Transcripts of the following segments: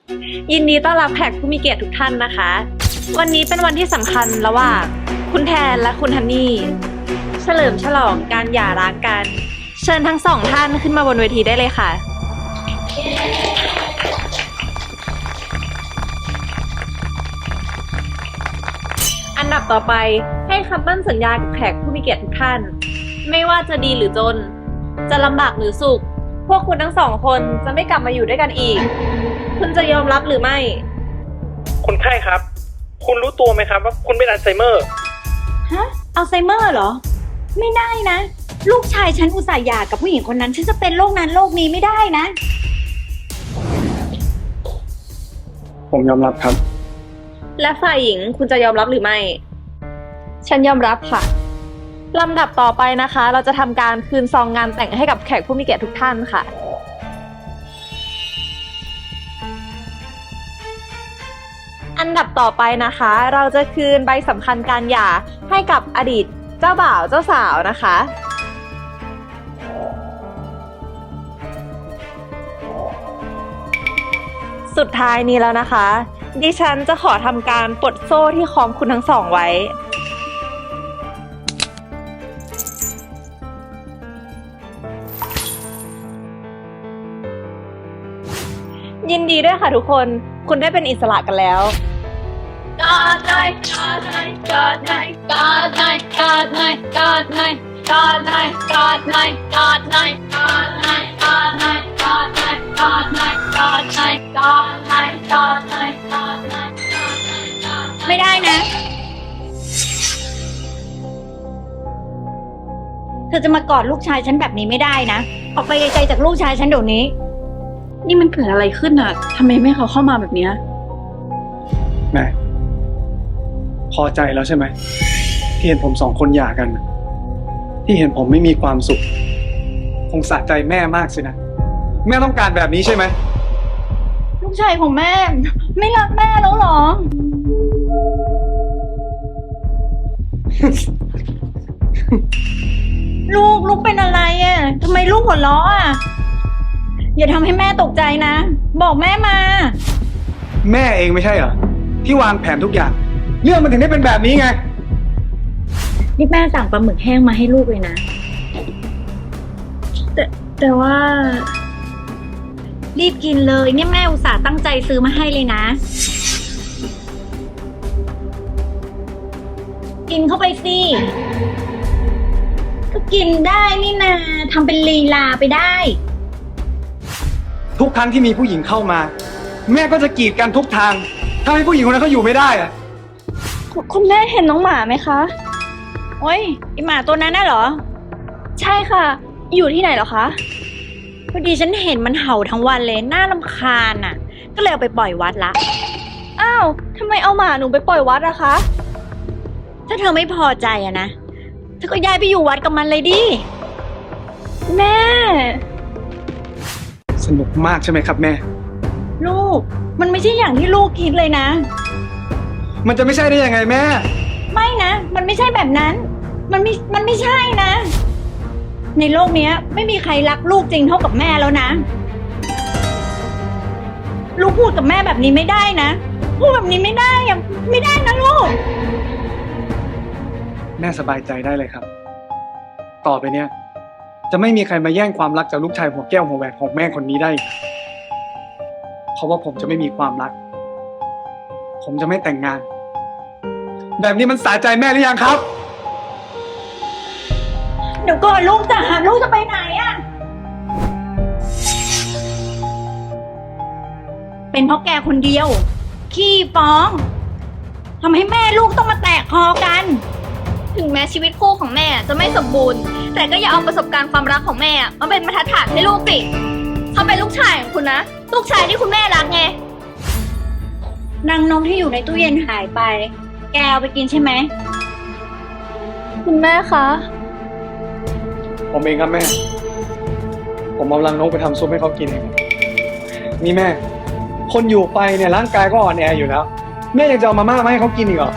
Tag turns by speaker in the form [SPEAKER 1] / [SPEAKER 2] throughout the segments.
[SPEAKER 1] ยินดีต้อนรับแขกผู้มีเกียรติทุกท่านนะคะ วันนี้เป็นวันที่สำคัญระหว่างคุณแทนและคุณฮันนี่เฉลิมฉลองการหย่าร้างกัน เชิญทั้งสองท่านขึ้นมาบนเวทีได้เลยค่ะ อันดับต่อไปให้คำมั่นสัญญากับแขกผู้มีเกียรติทุกท่าน ไม่ว่าจะดีหรือจน จะลำบากหรือสุข พวกคุณทั้งสองคนจะไม่กลับมาอยู่ด้วยกันอีก คุณจะยอมรับหรือไม่
[SPEAKER 2] คนไข้ครับ คุณรู้ตัวไหมครับว่าคุณเป็นอัลไซเมอร์
[SPEAKER 3] ฮะอัลไซเมอร์เหรอ ไม่ได้นะ ลูกชายฉันอุตส่าห์หย่ากับผู้หญิงคนนั้นฉันจะเป็นโรคนั้นโรคนี้ไม่ได้นะ
[SPEAKER 4] ผมยอมรับครับ
[SPEAKER 1] และฝ่ายหญิงคุณจะยอมรับหรือไม่ ฉันยอมรับค่ะ ลำดับต่อไปนะคะ เราจะทำการคืนซองงานแต่งให้กับแขกผู้มีเกียรติทุกท่านค่ะ อันดับต่อไปนะคะ เราจะคืนใบสำคัญการหย่าให้กับอดีตเจ้าบ่าวเจ้าสาวนะคะ สุดท้ายนี้แล้วนะคะ ดิฉันจะขอทำการปลดโซ่ที่คล้องคุณทั้งสองไว้ ยินดีด้วยค่ะทุกคน คุณได้เป็นอิสระกันแล้ว
[SPEAKER 3] God night God night God night God night God night God night God night God night God night God night God night God night God night God night God night God night God night ไม่ได้นะ เธอจะมากอดลูกชายฉันแบบนี้ไม่ได้นะ ออกไปไกลๆจากลูกชายฉันเดี๋ยวนี้
[SPEAKER 5] นี่มันเกิดอะไรขึ้นอ่ะทำไมแม่เขาเข้ามาแบบเนี้ย
[SPEAKER 4] แม่ พอใจแล้วใช่ไหมที่เห็นผมสองคนหย่ากัน ที่เห็นผมไม่มีความสุข คงสะใจแม่มากสินะ แม่ต้องการแบบนี้ใช่ไหม
[SPEAKER 3] ลูกชายของแม่ ไม่รักแม่แล้วเหรอ ลูกเป็นอะไรอ่ะทำไมลูกหัวเราะอ่ะ อย่าทำให้แม่ตกใจนะ บอกแม่มา
[SPEAKER 4] แม่เองไม่ใช่เหรอที่วางแผนทุกอย่าง เรื่องมันถึงได้เป็นแบบนี้ไง
[SPEAKER 3] นี่แม่สั่งปลาหมึกแห้งมาให้ลูกเลยนะ
[SPEAKER 5] แต่ว่า
[SPEAKER 3] รีบกินเลยเนี่ยแม่อุตส่าห์ตั้งใจซื้อมาให้เลยนะ กินเข้าไปสิ ก็กินได้นี่นาทำเป็นลีลาไปได้
[SPEAKER 4] ทุกครั้งที่มีผู้หญิงเข้ามา แม่ก็จะกีดกันทุกทางถ้าให้ผู้หญิงคนนั้นเขาอยู่ไม่ได้อะ
[SPEAKER 5] คุณแม่เห็นน้องหมาไหมคะ
[SPEAKER 3] โอ้ยไอหมาตัวนั้นน่ะเหรอ
[SPEAKER 5] ใช่ค่ะ อยู่ที่ไหนเหรอคะ
[SPEAKER 3] พอดีฉันเห็นมันเห่าทั้งวันเลยน่ารำคาญอ่ะ ก็เลยเอาไปปล่อยวัดละ
[SPEAKER 5] อ้าวทำไมเอาหมาหนูไปปล่อยวัดอะคะ
[SPEAKER 3] ถ้าเธอไม่พอใจอะนะเธอก็ย้ายไปอยู่วัดกับมันเลยดิ
[SPEAKER 5] แม่
[SPEAKER 4] สนุกมากใช่ไหมครับแม่
[SPEAKER 3] ลูก มันไม่ใช่อย่างที่ลูกคิดเลยนะ
[SPEAKER 4] มันจะไม่ใช่ได้ยังไงแม่
[SPEAKER 3] ไม่นะ มันไม่ใช่แบบนั้น มันไม่ใช่นะ ในโลกเนี้ย ไม่มีใครรักลูกจริงเท่ากับแม่แล้วนะ ลูกพูดกับแม่แบบนี้ไม่ได้นะ พูดแบบนี้ไม่ได้อะไม่ได้นะลูก
[SPEAKER 4] แม่สบายใจได้เลยครับ ต่อไปเนี้ยจะไม่มีใครมาแย่งความรักจากลูกชายหัวแก้วหัวแหวนของแม่คนนี้ได้อีกเพราะว่าผมจะไม่มีความรัก ผมจะไม่แต่งงาน แบบนี้มันสะใจแม่หรือยังครับ
[SPEAKER 3] เดี๋ยวก่อนลูกจ๋าลูกจะไปไหนอะเป็นเพราะแกคนเดียว ขี้ฟ้องทำให้แม่ลูกต้องมาแตกคอกัน
[SPEAKER 5] ถึงแม้ชีวิตคู่ของแม่จะไม่สมบูรณ์ แต่ก็อย่าเอาประสบการณ์ความรักของแม่มาเป็นบรรทัดฐานให้ลูกสิเขาเป็นลูกชายของคุณนะ ลูกชายที่คุณแม่รักไง
[SPEAKER 3] นางนกที่อยู่ในตู้เย็นหายไป แกเอาไปกินใช่ไหม
[SPEAKER 5] คุณแม่คะ
[SPEAKER 4] ผมเองครับแม่ ผมเอารังนกไปทำซุปให้เขากินเองนี่แม่ คนอยู่ไปเนี่ยร่างกายก็อ่อนแออยู่แล้ว แม่ยังจะเอามาม่ามาให้เขากินอีกเหรอ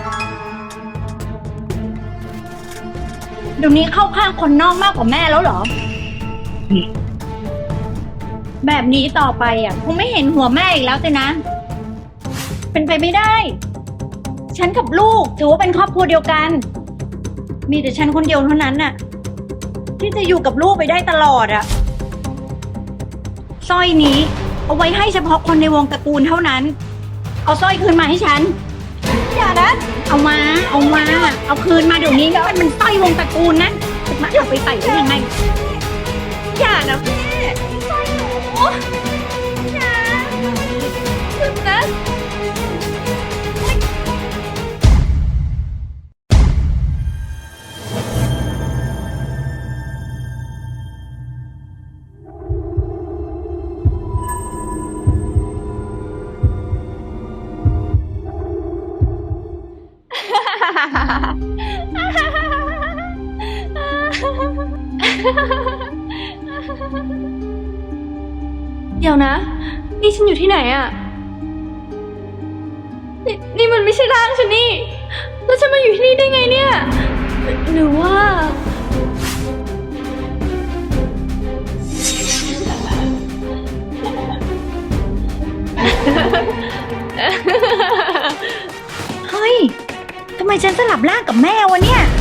[SPEAKER 3] เดี๋ยวนี้เข้าข้างคนนอกมากกว่าแม่แล้วเหรอ แบบนี้ต่อไปอ่ะคงไม่เห็นหัวแม่อีกแล้วสินะ
[SPEAKER 6] เป็นไปไม่ได้ ฉันกับลูกถือว่าเป็นครอบครัวเดียวกัน มีแต่ฉันคนเดียวเท่านั้นน่ะ ที่จะอยู่กับลูกไปได้ตลอดอะสร้อยนี้เอาไว้ให้เฉพาะคนในวงตระกูลเท่านั้น เอาสร้อยคืนมาให้ฉัน อย่านะ เอามา เอาคืนมาเดี๋ยวนี้นะมันสร้อยวงตระกูลนะจะมาเอาไปใส่ได้ยังไง
[SPEAKER 5] อย่านะแม่สร้อยหนูอย่าหยุดนะ เดี๋ยวนะ นี่ฉันอยู่ที่ไหนอะนี่มันไม่ใช่ร่างฉันนี่ แล้วฉันมาอยู่ที่นี่ได้ไงเนี่ย หรือว่า
[SPEAKER 6] เฮ้ย ทำไมฉันสลับร่างกับแม่วะเนี่ย